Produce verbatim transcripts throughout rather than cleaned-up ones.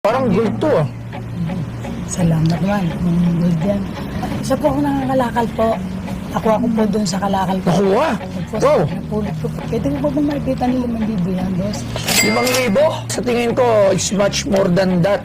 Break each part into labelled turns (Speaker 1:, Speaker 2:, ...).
Speaker 1: Parang gold to ah.
Speaker 2: Salamat man. Ang gold yan. Isa po ako nangangalakal po. Ako ako po doon sa kalakal ko.
Speaker 1: Nakuha?
Speaker 2: Opo,
Speaker 1: Wow.
Speaker 2: napulot ko po. Pwede ko po ba makikita ni limang libo yan, boss?
Speaker 1: Limang libo? Sa tingin ko, it's much more than that.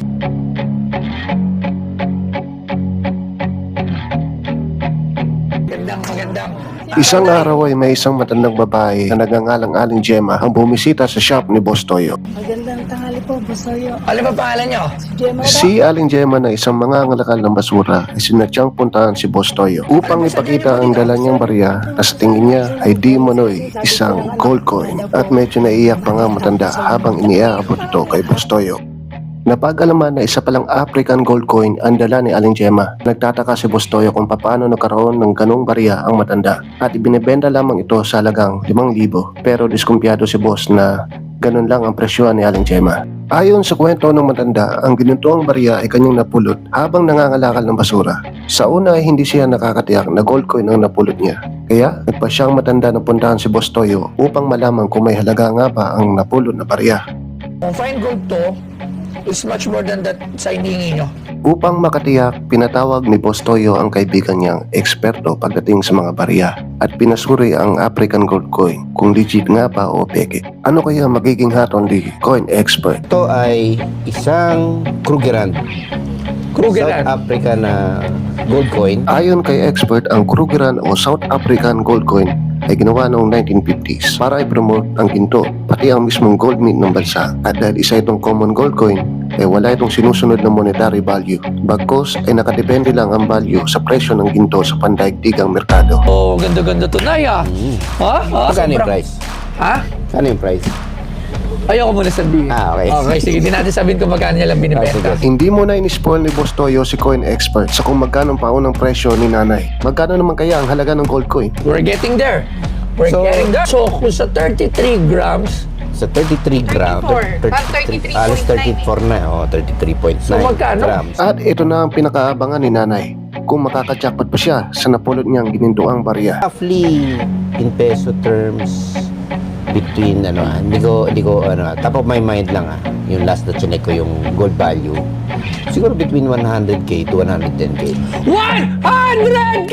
Speaker 1: Magandang, magandang.
Speaker 3: Isang araw ay may isang matandang babae na nagngangalang-aling Gemma ang bumisita sa shop ni Boss Toyo.
Speaker 2: Magandang tanghali po, boss Toyo.
Speaker 1: Ano ba pangalan nyo?
Speaker 2: Si Gemma ba?
Speaker 3: Si Aling Gemma na isang mangangalakal ng basura ay sinadyang puntahan si Boss Toyo upang ipakita ang dala niyang barya na sa tingin niya ay di manoy isang gold coin at medyo naiyak pa nga matanda habang iniaabot ito kay Boss Toyo. Napag-alaman na isa palang African gold coin ang dala ni Aling Gemma. Nagtataka si Boss Toyo kung paano nagkaroon ng ganong barya ang matanda at ibinebenta lamang ito sa halagang limang libo. Pero diskumpiyado si Boss na ganun lang ang presyo ni Aling Gemma. Ayon sa kwento ng matanda, ang ginintuang barya ay kanyang napulot habang nangangalakal ng basura. Sa una ay hindi siya nakakatiyak na gold coin ang napulot niya. Kaya nagpa siyang matanda na puntahan si Boss Toyo upang malaman kung may halaga nga ba ang napulot na barya.
Speaker 1: Kung fine gold to, it's much more than that sa hinihingi nyo.
Speaker 3: Upang makatiyak, pinatawag ni Boss Toyo ang kaibigan niyang eksperto pagdating sa mga barya at pinasuri ang African gold coin kung legit nga ba o peke. Ano kaya magiging haton ni coin expert?
Speaker 4: Ito ay isang Krugerrand.
Speaker 1: Krugerrand.
Speaker 4: South Africa na gold coin.
Speaker 3: Ayon kay expert, ang Krugerrand o South African gold coin ay ginawa noong nineteen fifties para i-promote ang ginto, pati ang mismong gold mint ng bansa. At dahil isa itong common gold coin, ay wala itong sinusunod na monetary value. Bagkos ay nakadepende lang ang value sa presyo ng ginto sa pandaigdigang merkado.
Speaker 1: Oh, ganda-ganda to na ah.
Speaker 4: Mm.
Speaker 1: Ha? Ha?
Speaker 4: Magkano yung
Speaker 1: Sobrang-
Speaker 4: price?
Speaker 1: Ha?
Speaker 4: Ano yung price?
Speaker 1: Ayoko muna sabihin.
Speaker 4: Ah, okay.
Speaker 1: Okay, sige. Di natin sabihin kung magkano niya lang
Speaker 4: Ah,
Speaker 1: binibenta.
Speaker 4: sige.
Speaker 3: Hindi mo na in-spoil ni Boss Toyo si coin expert sa kung magkano ang paunang presyo ni nanay. Magkano naman kaya ang halaga ng gold coin?
Speaker 1: We're getting there. We're
Speaker 4: So-
Speaker 1: getting there. So, kung sa thirty-three grams,
Speaker 4: Sa thirty-three grams.
Speaker 5: thirty-four. Parang thirty-three
Speaker 4: Alas
Speaker 5: point nine
Speaker 4: thirty-four na. Oh, thirty-three point nine
Speaker 1: So, magkano?
Speaker 4: grams.
Speaker 3: At ito na ang pinakaabangan ni nanay, kung makakajackpot pa siya sa napulot niyang ginintuang barya.
Speaker 4: Roughly, in peso terms, between ano, ah, hindi ko, hindi ko, ano, top of my mind lang ah, yung last na chinek ko yung gold value. Siguro between one hundred K to one hundred ten K.
Speaker 1: one hundred K!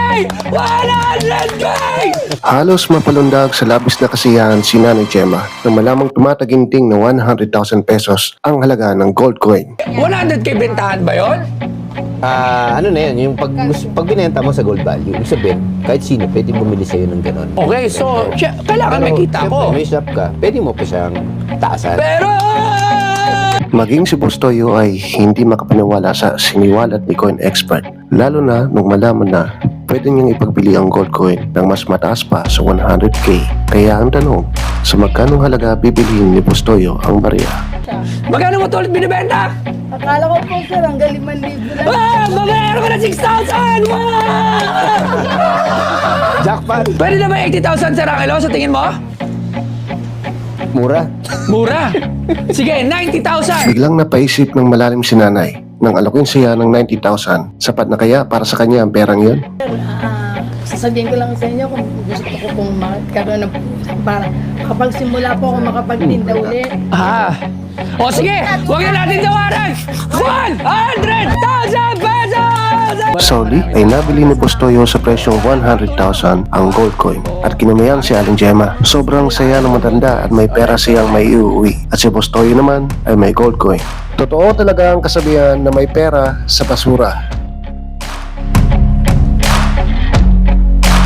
Speaker 1: one hundred K!
Speaker 3: Halos mapalundag sa labis na kasiyahan si Nanay Gemma na malamang tumataginting na one hundred thousand pesos ang halaga ng gold coin.
Speaker 1: one hundred K bentahan ba yun?
Speaker 4: Ah, ano na yun, yung pag, pag binenta mo sa gold value, ibig sabihin, kahit sino, pwede bumili sa'yo ng ganon.
Speaker 1: Okay, so, siya- kailangan may kita
Speaker 4: siyempre,
Speaker 1: ko.
Speaker 4: may shop ka, pwede mo pa siyang taasan.
Speaker 1: Pero,
Speaker 3: Maging si Boss Toyo ay hindi makapaniwala sa siniwalat ni coin expert, lalo na nung malaman na pwede niyang ipagbili ang gold coin ng mas mataas pa sa one hundred K. Kaya ang tanong, sa magkanong halaga bibilihin ni Boss Toyo ang barya?
Speaker 1: magkano mo ito ulit binibenta?
Speaker 2: Akala ko po, sir, hanggang limang libo na.
Speaker 1: Ah! Babayaran ko na six thousand!
Speaker 4: Jackpot!
Speaker 1: Pwede na ba eighty thousand sa Rakelo sa tingin mo?
Speaker 4: Mura.
Speaker 1: Mura! Sige, ninety thousand!
Speaker 3: Biglang napaisip ng malalim si nanay nang alokin siya ng ninety thousand. Sapat na kaya para sa kanya ang perang yun?
Speaker 2: Ah, sasabihin ko lang sa inyo kung gusto ko pong magkaroon ng para kapag simula po ako makapagtinda uli.
Speaker 1: Ah! O sige, huwag na natin tawaran! one hundred thousand pesos!
Speaker 3: Sauli ay nabili ni Boss Toyo sa presyong one hundred thousand ang gold coin at kinamayan si Aling Gemma. Sobrang saya ng matanda at may pera siyang may iuwi at si Boss Toyo naman ay may gold coin. Totoo talaga ang kasabihan na may pera sa basura.